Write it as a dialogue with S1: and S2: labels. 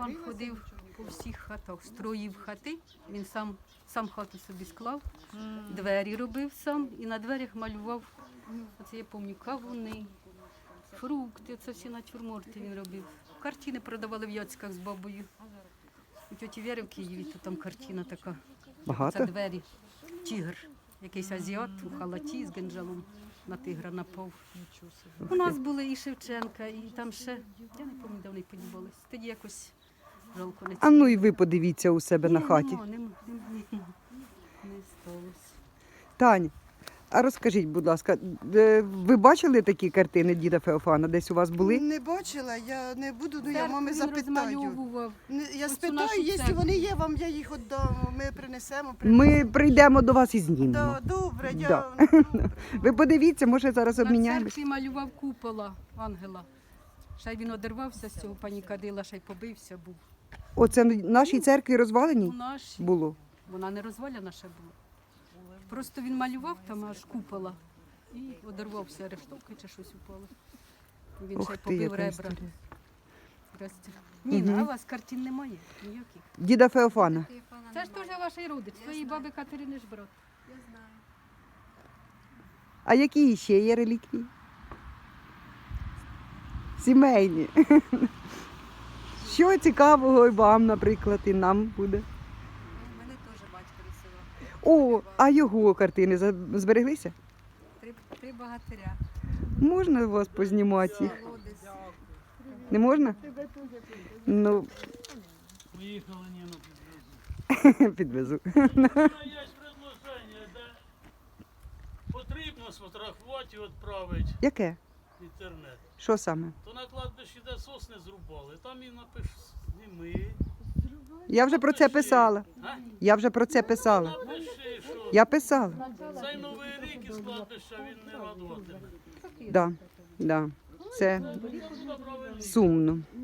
S1: Феофан ходив по всіх хатах, строїв хати, він сам хату собі склав, двері робив сам і на дверях малював, оце я пам'ятаю, кавуни, фрукти, це всі натюрморти він робив. Картини продавали в Яцьках з бабою. У тьоті Вєри в Києві, то там картина така.
S2: Багато?
S1: Це двері, тігр, якийсь азіат у халаті з генджалом на тигра напав. У нас були і Шевченка, і там ще, я не пам'ятаю, де вони подівались. Тоді якось жалко не
S2: А ну і ви подивіться у себе на хаті.
S1: Не сталося.
S2: Тань, а розкажіть, будь ласка, ви бачили такі картини діда Феофана? Десь у вас були?
S3: Не бачила, я не буду, ну я мами
S1: Він
S3: запитаю.
S1: розмальовував.
S3: Я
S1: Ось у
S3: спитаю,
S1: нашу
S3: якщо
S1: церкву.
S3: вони є, вам я їх віддам, ми принесемо.
S2: Ми прийдемо до вас і знімемо.
S3: Да, добре,
S2: Да.
S3: добре.
S2: Ви подивіться, може зараз
S1: На
S2: обміняємось.
S1: церкві малював купола ангела. Ще й він одервався з цього пані Кадила, ще й побився був.
S2: Оце в нашій церкві
S1: У
S2: розваленій
S1: нашій.
S2: було.
S1: Вона не розваляна ще була. Просто він малював там аж купола і одервався, рештовки чи щось упало. І він ще й
S2: Ух ти,
S1: побив
S2: яка
S1: ребра.
S2: історія.
S1: Ніна, а у вас картин немає? Ніяких?
S2: Діда Феофана.
S1: Це ж теж ваш родич, твоєї баби Катерини ж брат.
S2: А які ще є реліквії? Сімейні. Що цікавого і вам, наприклад, і нам буде?
S4: Мене теж батько рисував.
S2: О, а його картини збереглися?
S4: Три богатиря.
S2: Можна вас познімати їх?
S4: Колодязь.
S2: Не можна? Ну,
S5: Поїхали, Ніно, підвезу.
S2: підвезу.
S5: Є предложення, де потрібно сфотографувати і відправити
S2: Яке?
S5: в інтернет.
S2: Що саме?
S5: То на кладбищі, де сосни зрубали, там і напиш зніми.
S2: Я вже про це писала.
S5: А?
S2: Я вже про це писала.
S5: Напиши, що
S2: Я писала.
S5: цей новий рік із кладбища він не радуватиме.
S2: Да, да. Це
S5: Правильно.
S2: сумно.